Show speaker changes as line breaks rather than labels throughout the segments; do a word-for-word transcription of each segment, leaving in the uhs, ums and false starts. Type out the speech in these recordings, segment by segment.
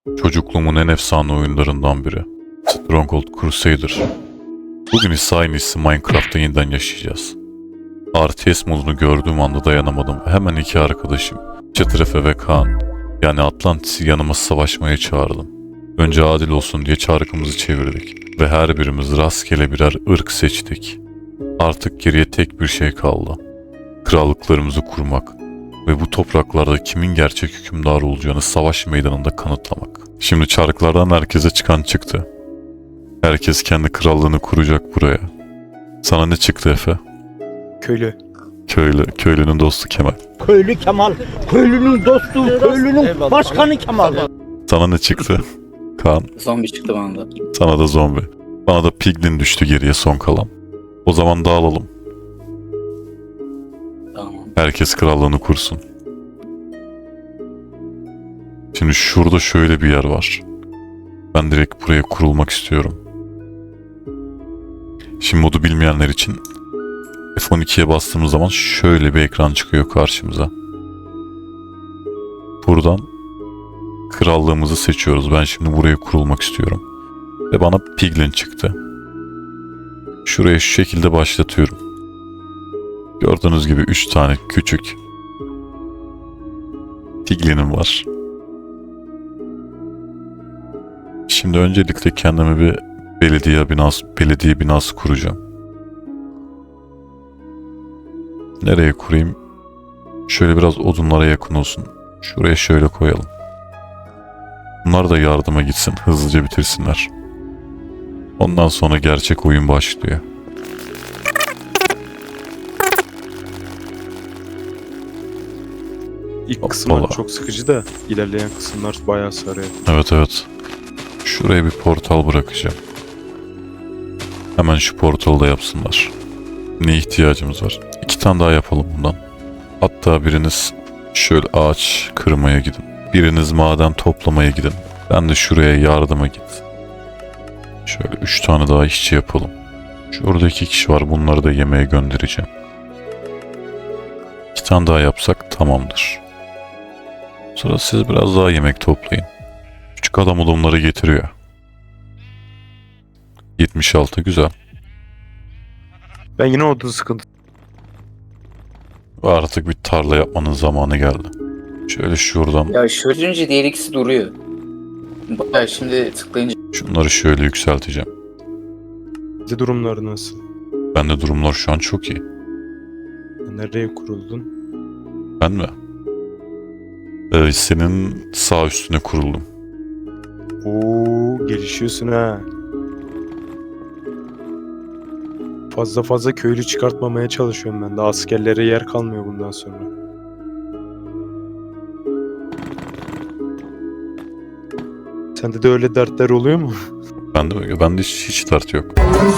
Çocukluğumun en efsane oyunlarından biri. Stronghold Crusader. Bugün ise aynısı Minecraft'ta yeniden yaşayacağız. R T S modunu gördüğüm anda dayanamadım ve hemen iki arkadaşım Çetref'e ve Kaan, yani Atlantis'i yanıma savaşmaya çağırdım. Önce adil olsun diye çarkımızı çevirdik ve her birimiz rastgele birer ırk seçtik. Artık geriye tek bir şey kaldı. Krallıklarımızı kurmak ve bu topraklarda kimin gerçek hükümdar olacağını savaş meydanında kanıtlamak. Şimdi çarklardan herkese çıkan çıktı. Herkes kendi krallığını kuracak buraya. Sana ne çıktı Efe?
Köylü.
Köylü, köylünün dostu Kemal.
Köylü Kemal, köylünün dostu, köylünün başkanı Kemal.
Sana ne çıktı? Kaan.
Zombi çıktı bana da.
Sana da zombi. Bana da piglin düştü geriye son kalan. O zaman dağılalım.
Tamam.
Herkes krallığını kursun. Şimdi şurada şöyle bir yer var. Ben direkt buraya kurulmak istiyorum. Şimdi modu bilmeyenler için F on ikiye bastığımız zaman şöyle bir ekran çıkıyor karşımıza. Buradan krallığımızı seçiyoruz. Ben şimdi buraya kurulmak istiyorum. Ve bana piglin çıktı. Şuraya şu şekilde başlatıyorum. Gördüğünüz gibi üç tane küçük piglinim var. Şimdi öncelikle kendime bir belediye binası, belediye binası kuracağım. Nereye kurayım? Şöyle biraz odunlara yakın olsun. Şuraya şöyle koyalım. Bunlar da yardıma gitsin, hızlıca bitirsinler. Ondan sonra gerçek oyun başlıyor.
İlk kısımlar
Hoppala.
çok sıkıcı da ilerleyen kısımlar bayağı sarıyor.
Evet evet. Şuraya bir portal bırakacağım. Hemen şu portalı da yapsınlar. Ne ihtiyacımız var? İki tane daha yapalım bundan. Hatta biriniz şöyle ağaç kırmaya gidin. Biriniz maden toplamaya gidin. Ben de şuraya yardıma git. Şöyle üç tane daha işçi yapalım. Şurada iki kişi var. Bunları da yemeğe göndereceğim. İki tane daha yapsak tamamdır. Sonra siz biraz daha yemek toplayın. Küçük adam odunları getiriyor. yetmiş altı güzel.
Ben yine odun sıkıntı.
Ve artık bir tarla yapmanın zamanı geldi. Şöyle şuradan
Ya şöyle diğer ikisi duruyor. Bayağı şimdi tıklayınca
şunları şöyle yükselteceğim.
Bize durumları nasıl?
Bende durumlar şu an çok iyi.
Nereye kuruldun?
Ben mi? Ee, senin sağ üstüne kuruldum.
Oo, gelişiyorsun ha. Fazla fazla köylü çıkartmamaya çalışıyorum ben de. Askerlere yer kalmıyor bundan sonra. Sende de öyle dertler oluyor mu?
Bende mi? Bende hiç, hiç dert yok.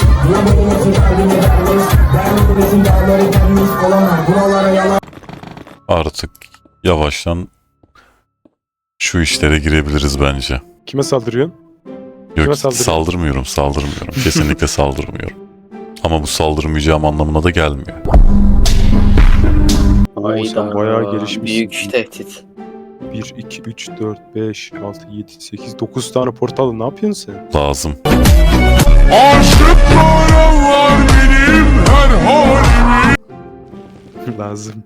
Artık yavaştan şu işlere girebiliriz bence.
Kime saldırıyorsun?
Yok,
Kime saldırıyorsun?
saldırmıyorum, saldırmıyorum. Kesinlikle saldırmıyorum. Ama bu saldırmayacağım anlamına da gelmiyor.
Oo, sen bayağı gelişmişsin.
büyük tehdit.
bir, iki, üç, dört, beş, altı, yedi, sekiz, dokuz tane portal ne yapıyorsun sen?
Lazım.
Lazım.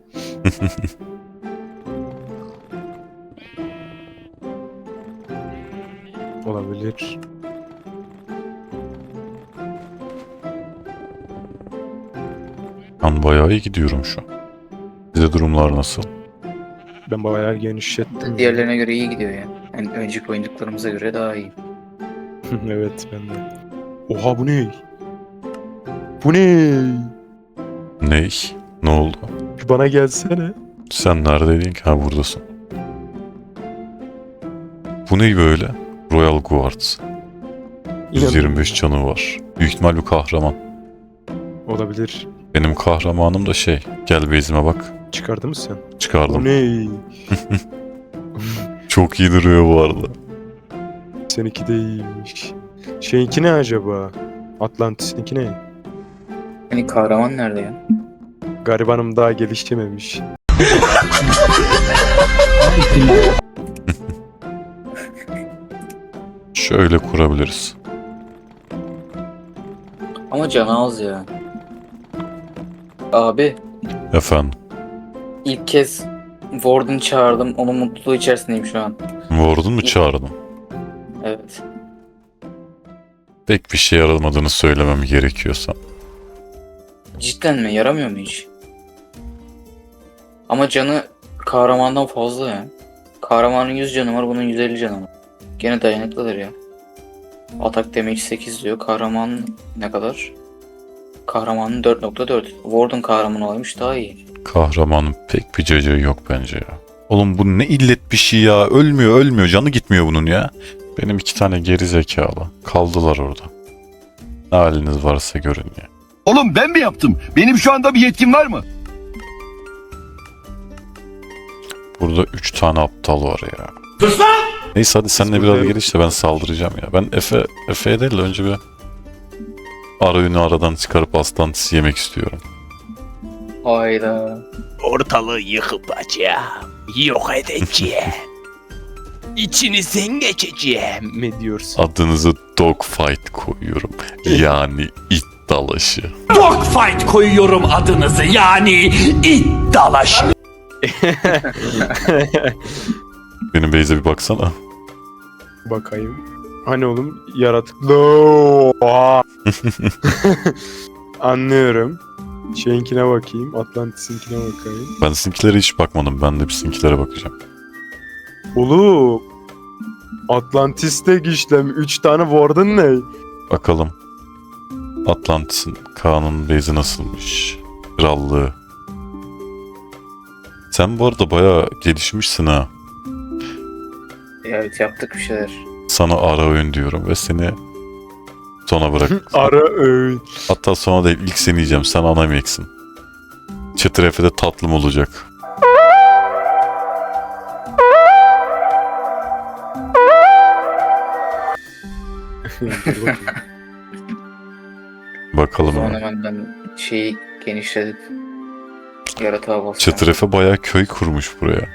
Olabilir.
Ben bayağı iyi gidiyorum şu an. Size durumlar nasıl?
Ben bayağı genişlettim.
Diğerlerine göre iyi gidiyor yani. Yani önceki oynadıklarımıza göre daha iyi.
Evet ben de. Oha bu ne? Bu ne?
Ney? Ne oldu?
Bir bana gelsene.
Sen neredeydin ki? Ha, buradasın. Bu ne böyle? Royal Guards. yüz yirmi beş canı var. Büyük ihtimal bir kahraman.
Olabilir.
Benim kahramanım da şey. Gel base'ime bak.
Çıkardı mı sen?
Çıkardım.
Bu ne?
Çok iyi duruyor bu arada.
Seninki de iyiymiş. Şeyinki ne acaba? Atlantis'inki ne?
Hani kahraman nerede ya?
Garibanım daha gelişememiş.
Şöyle kurabiliriz.
Ama canı az ya. Abi
Efendim.
ilk kez Warden çağırdım. Onun mutluluğu içerisindeyim şu an.
Warden mu çağırdın?
Evet.
Pek bir şey yaramadığını söylemem gerekiyorsa.
Cidden mi? Yaramıyor mu hiç? Ama canı kahramandan fazla ya. Kahramanın yüz canı var, bunun yüz elli canı var. Gene dayanıklıdır ya. Atak damage sekiz diyor. Kahraman ne kadar? Kahramanın dört nokta dört. Warden kahraman olaymış daha iyi.
Kahramanın pek bir cacığı yok bence ya. Oğlum bu ne illet bir şey ya. Ölmüyor ölmüyor. Canı gitmiyor bunun ya. Benim iki tane geri zekalı. Kaldılar orada. Ne haliniz varsa görün ya.
Oğlum ben mi yaptım? Benim şu anda bir yetkim var mı?
Burada üç tane aptal var ya. Neyse hadi senle
Biz
biraz
burada
gel işte ben saldıracağım ya. Ben Efe, Efe'ye değil de önce bir ara ünü aradan çıkarıp aslantisi yemek istiyorum.
Hayda.
Ortalığı yıkıp açacağım. Yok edeceğim. İçinizden geçeceğim.
Ne diyorsun?
Adınızı Dogfight koyuyorum. Yani it dalaşı.
Dogfight koyuyorum adınızı yani it dalaşı.
Benim Beyze bir baksana.
Bakayım. Hani oğlum yaratıklı. Oha! Anlıyorum. Şeyinkine bakayım. Atlantis'inkine bakayım.
Ben sizinkilere hiç bakmadım. Ben de bir sizinkilere bakacağım.
Oğlum. Atlantis'te işlem. üç tane Warden ne?
Bakalım. Atlantis'in Kaan'ın Beyzi nasılmış? Krallığı. Sen bu arada bayağı gelişmişsin ha.
Evet yaptık bir şeyler.
Sana ara öğün diyorum ve seni sona bırak.
Ara öğün.
Hatta sonra değil ilk seni yiyeceğim. Sen ana yemeksin. Çıtır Efe'de tatlım olacak.
Dur bakayım.
O
Bakalım
zaman
ama.
hemen ben şeyi genişletip yaratığa basacağım.
Çıtır Efe bayağı köy kurmuş buraya.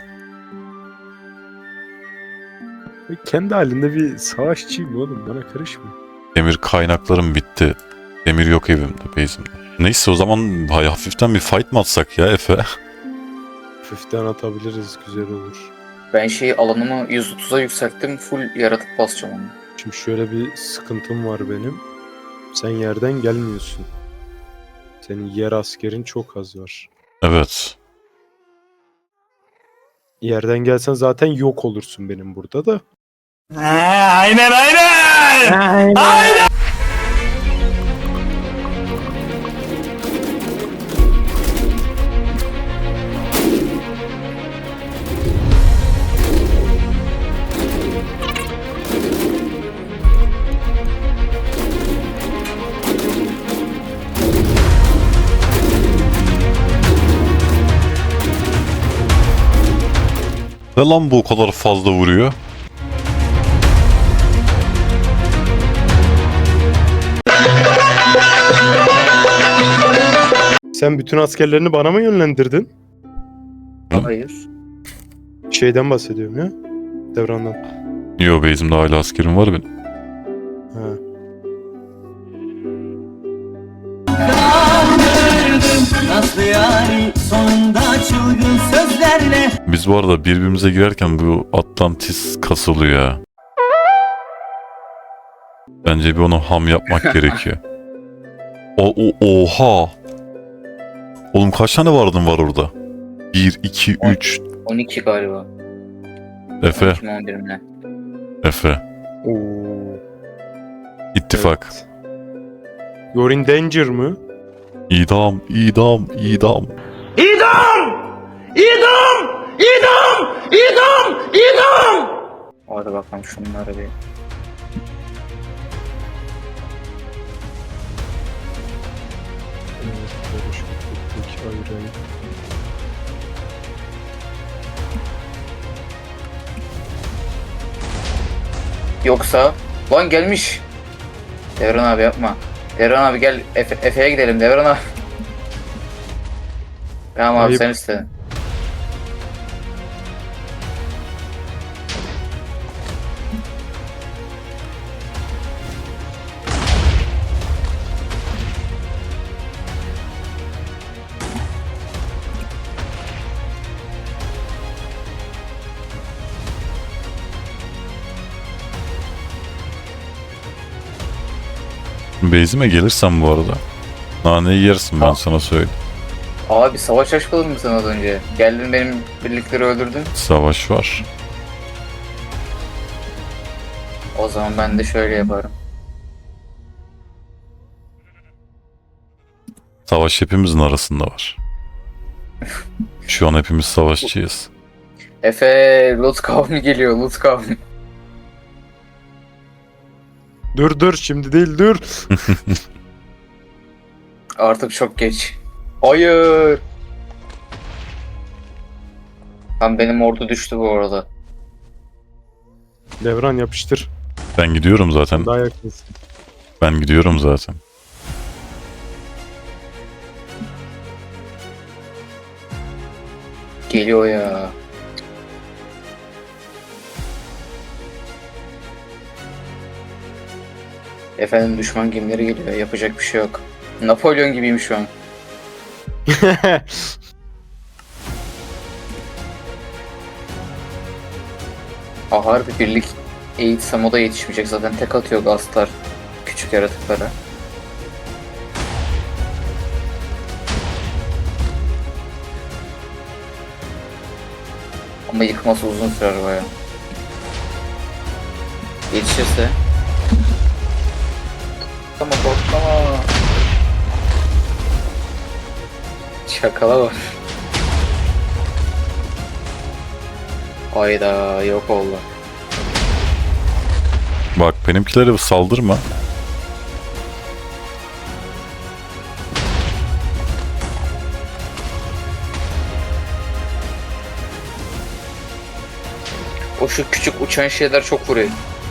Kendi halinde bir savaşçıyım oğlum. Bana karışma.
Demir kaynaklarım bitti. Demir yok evimde, bezimde. Neyse o zaman hay- hafiften bir fight mı atsak ya Efe?
Hafiften atabiliriz. Güzel olur.
Ben şeyi alanımı yüz otuza yükselttim. Full yaratık basacağım onu.
Şimdi şöyle bir sıkıntım var benim. Sen yerden gelmiyorsun. Senin yer askerin çok az var.
Evet.
Yerden gelsen zaten yok olursun benim burada da.
Aynen aynen. Aynen.
Ne lan bu o kadar fazla vuruyor?
Sen bütün askerlerini bana mı yönlendirdin?
Hı?
Hayır.
Şeyden bahsediyorum ya. Devrandan.
Yo bezimde hala askerim var benim.
Ha.
Nasıl yani sonunda çılgın sözlerle
Biz bu arada birbirimize girerken bu Atlantis kasılıyor ya. Bence bir onu ham yapmak gerekiyor. O, o, oha! Oğlum kaç tane vardın var orada? bir, iki, üç.
on iki galiba.
Efe,
on iki on bir mi ne?
Efe.
Oo.
İttifak.
Evet. You're in danger mı?
İdam, idam, idam.
İdam! İdam! İdam! İdam! İdam!
Hadi bakalım şunları bir.
Evet, böyle şu ufak ayrı.
Yoksa lan gelmiş. Devran abi yapma. Devran abi gel Efe, Efe'ye gidelim Devran abi. Tamam abi
Ayıp.
sen istedin.
Base'ime gelirsen bu arada. Naneyi yersin ben
Tamam.
sana söyleyeyim.
Abi savaş açmadın mı sen az önce? Geldin benim birlikleri öldürdün.
Savaş var.
O zaman ben de şöyle yaparım.
Savaş hepimizin arasında var. Şu an hepimiz savaşçıyız.
Efe, loot kavmi geliyor, loot kavmi.
Dur dur şimdi değil dur.
Artık çok geç. Hayır. Tam benim ordu düştü bu arada.
Devran yapıştır.
Ben gidiyorum zaten.
Daha yakınsın.
Ben gidiyorum zaten.
Geliyor ya. Efendim düşman gemileri geliyor. Yapacak bir şey yok. Napolyon gibiyim şu an. Ha harbi birlik eğitsem o da yetişmeyecek. Zaten tek atıyor gazlar küçük yaratıklara. Ama yıkması uzun sürer baya. Yetişirse. Ama korkma. Şakala var. Hayda yok oldu.
Bak benimkilere saldırma.
O şu küçük uçan şeyler çok vuruyor.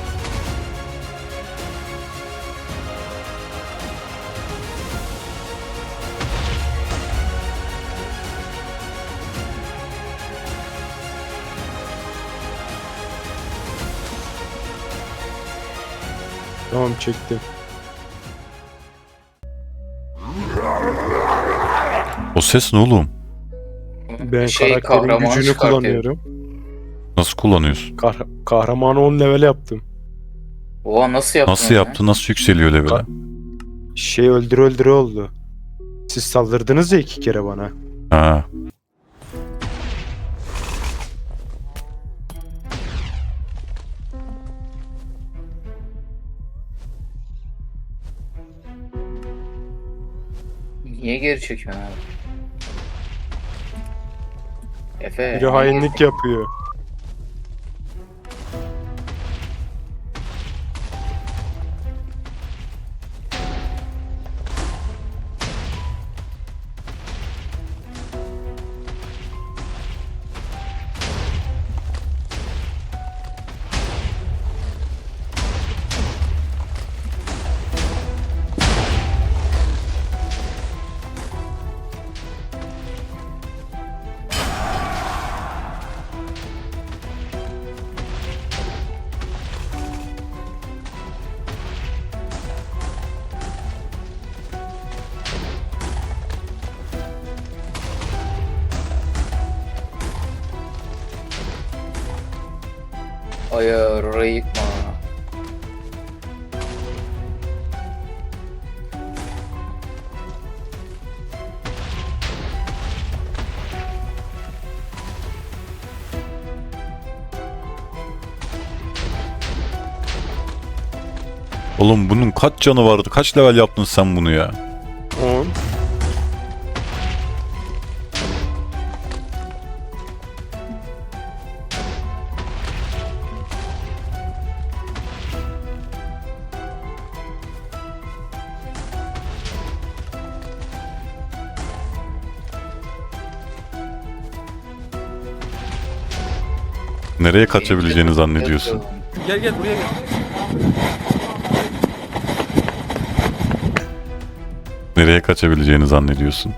Tamam çektim.
O ses ne oğlum?
Ben
Şey,
karakterin
kahraman
gücünü
çıkartıyor.
kullanıyorum.
Nasıl kullanıyorsun?
Kah kahramanı on level yaptım.
Oha nasıl yaptın?
Nasıl
onu ya?
yaptı? Nasıl yükseliyor level'e?
Ka- Şey öldüre öldüre oldu. Siz saldırdınız ya iki kere bana.
Ha.
Niye geri çekiyorsun abi? Efe.
Biri hainlik yapıyor.
Hayır orayı yıkma.
Oğlum bunun kaç canı vardı? Kaç level yaptın sen bunu ya?
on.
Nereye kaçabileceğini zannediyorsun?
Gel gel buraya gel.
Nereye kaçabileceğini zannediyorsun?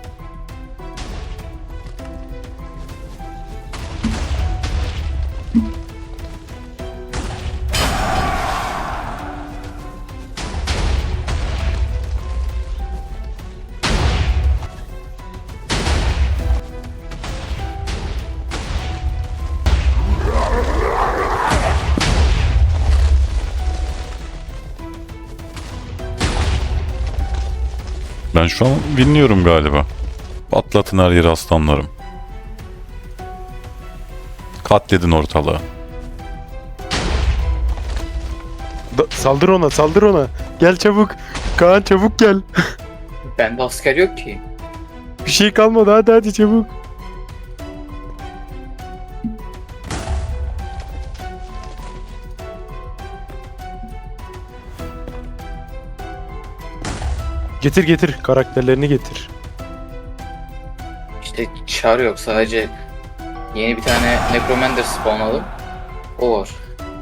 Ben şu an dinliyorum galiba. Patlatın her yeri aslanlarım. Katledin ortalığı.
Da- saldır ona, saldır ona. Gel çabuk. Kaan çabuk gel.
Bende asker yok ki.
Bir şey kalmadı, hadi hadi çabuk. Getir getir, karakterlerini getir.
İşte çağrı yok, sadece yeni bir tane Necromander spawnladım. O var.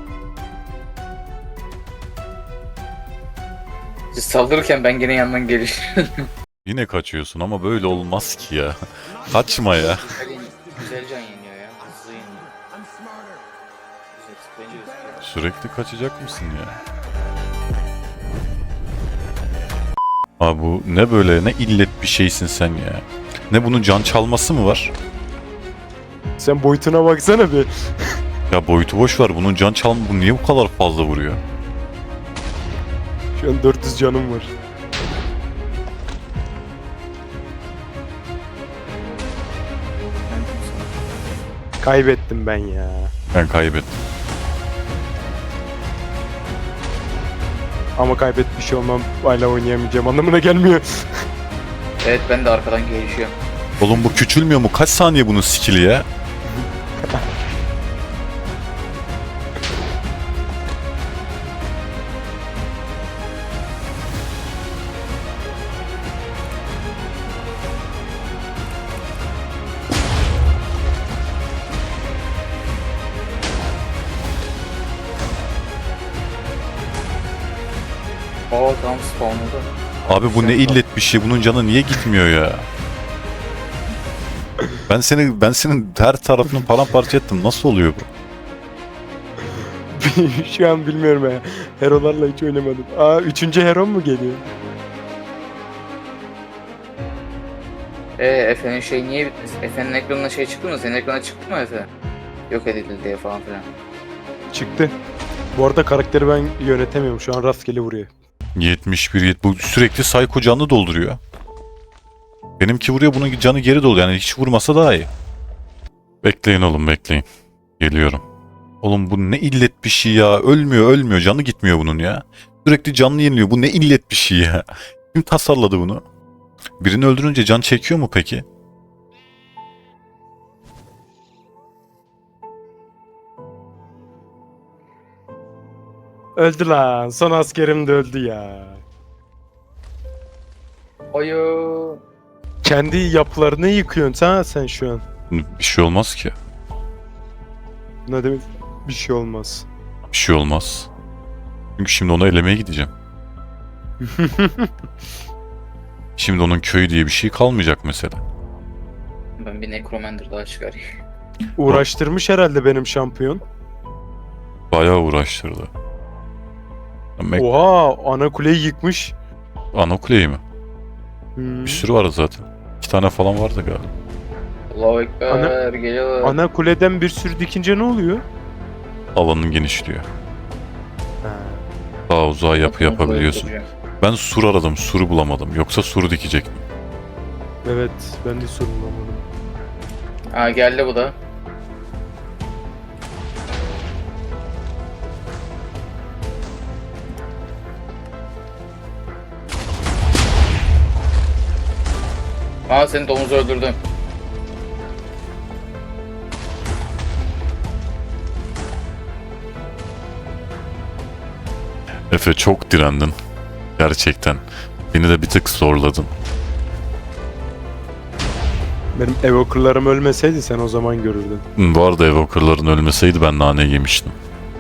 Siz saldırırken ben gene yandan gelişiyorum.
Yine kaçıyorsun ama böyle olmaz ki ya. Kaçma ya.
Güzel can yeniyor ya. Hızlı yeniyor. Güzel, bence güzel.
Sürekli kaçacak mısın ya? Abi bu ne böyle, ne illet bir şeysin sen ya. Ne bunun can çalması mı var?
Sen boyutuna baksana bir.
Ya boyutu boş ver, bunun can çalma, bu niye bu kadar fazla vuruyor?
Şu an dört yüz canım var. Kaybettim ben ya.
Ben kaybettim.
Ama kaybetmiş olmam hala oynayamayacağım anlamına gelmiyor.
Evet, ben de arkadan gelişiyorum.
Oğlum bu küçülmüyor mu? Kaç saniye bunun skill'i ya?
Oo, tam spawnladı.
Abi bu ne illet bir şey. Bunun canı niye gitmiyor ya? Ben seni ben senin her tarafını paramparça ettim. Nasıl oluyor bu?
Şu an bilmiyorum ya. Hero'larla hiç oynamadım. Aa üçüncü hero mu geliyor?
Eee Efe'nin şey niye bitmez? Efe'nin ekranına şey çıktı mı? Senin ekrana çıktı mı Efe? Yok edildi diye falan filan.
Çıktı. Bu arada karakteri ben yönetemiyorum. Şu an rastgele vuruyor.
yetmiş bir yet bu sürekli psycho canlı dolduruyor. Benimki vuruyor, bunun canı geri doluyor. Yani hiç vurmasa daha iyi. Bekleyin oğlum, bekleyin. Geliyorum. Oğlum bu ne illet bir şey ya. Ölmüyor ölmüyor. Canı gitmiyor bunun ya. Sürekli canlı yeniliyor. Bu ne illet bir şey ya. Kim tasarladı bunu? Birini öldürünce can çekiyor mu peki?
Öldü lan. Son askerim de öldü ya.
Ayo.
Kendi yapılarını yıkıyorsun sen, sen şu an.
Bir şey olmaz ki.
Ne demek? Bir şey olmaz.
Bir şey olmaz. Çünkü şimdi onu elemeye gideceğim. Şimdi onun köyü diye bir şey kalmayacak mesela.
Ben bir Necromander daha çıkarayım.
Uğraştırmış herhalde benim şampiyon.
Bayağı uğraştırdı. Mek
Oha, ana kuleyi yıkmış.
ana kuleyi mi?
Hmm.
Bir sürü var zaten. İki tane falan vardı galiba.
Allahu Ekber,
Ana-
geliyorlar.
Ana kuleden bir sürü dikince ne oluyor?
Alanın genişliyor.
Ha.
Daha uzağa yapı yapabiliyorsun.
Duracağım.
Ben sur aradım, suru bulamadım. Yoksa suru dikecektim.
Evet, ben de sorumlamadım.
Ha, geldi bu da. Aa, seni domuz öldürdüm.
Efe çok direndin. Gerçekten. Beni de bir tık zorladın.
Benim evokerlarım ölmeseydi sen o zaman görürdün.
Bu arada evokerların ölmeseydi ben nane yemiştim.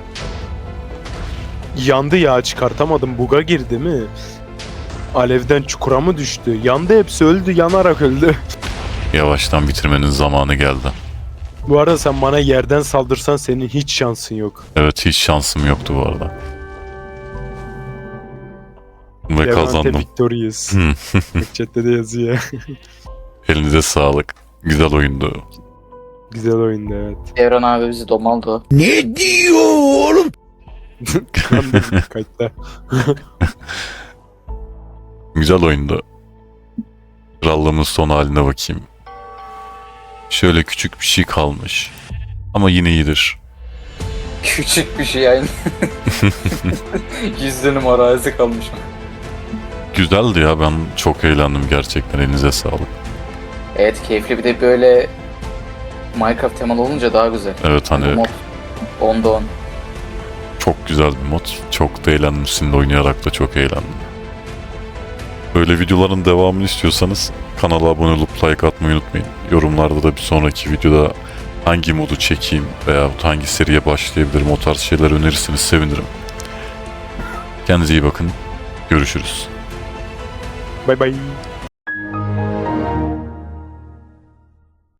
Yandı ya, çıkartamadım. Buga girdi mi? Alevden çukura mı düştü? Yandı, hepsi öldü. Yanarak öldü.
Yavaştan bitirmenin zamanı geldi.
Bu arada sen bana yerden saldırsan senin hiç şansın yok.
Evet, hiç şansım yoktu bu arada. Ve
Levante
kazandım.
victorious.
Hmm.
Bak chatte de yazıyor.
Elinize sağlık. Güzel oyundu.
Güzel oyundu, evet.
Devran abi bizi domaldı.
Ne diyor oğlum?
Ben de kayıtta.
Güzel oyundu. Krallığımın son haline bakayım. Şöyle küçük bir şey kalmış. Ama yine iyidir.
Küçük bir şey yani. yüz dönüm arazi kalmış.
Güzeldi ya, ben çok eğlendim gerçekten, elinize sağlık.
Evet, keyifli, bir de böyle Minecraft temalı olunca daha güzel.
Evet
Bu
hani
mod onda on.
çok güzel bir mod. Çok da eğlendim, sizinle oynayarak da çok eğlendim. Böyle videoların devamını istiyorsanız kanala abone olup like atmayı unutmayın. Yorumlarda da bir sonraki videoda hangi modu çekeyim veya hangi seriye başlayabilirim, o tarz şeyler önerirseniz sevinirim. Kendinize iyi bakın. Görüşürüz.
Bay bay.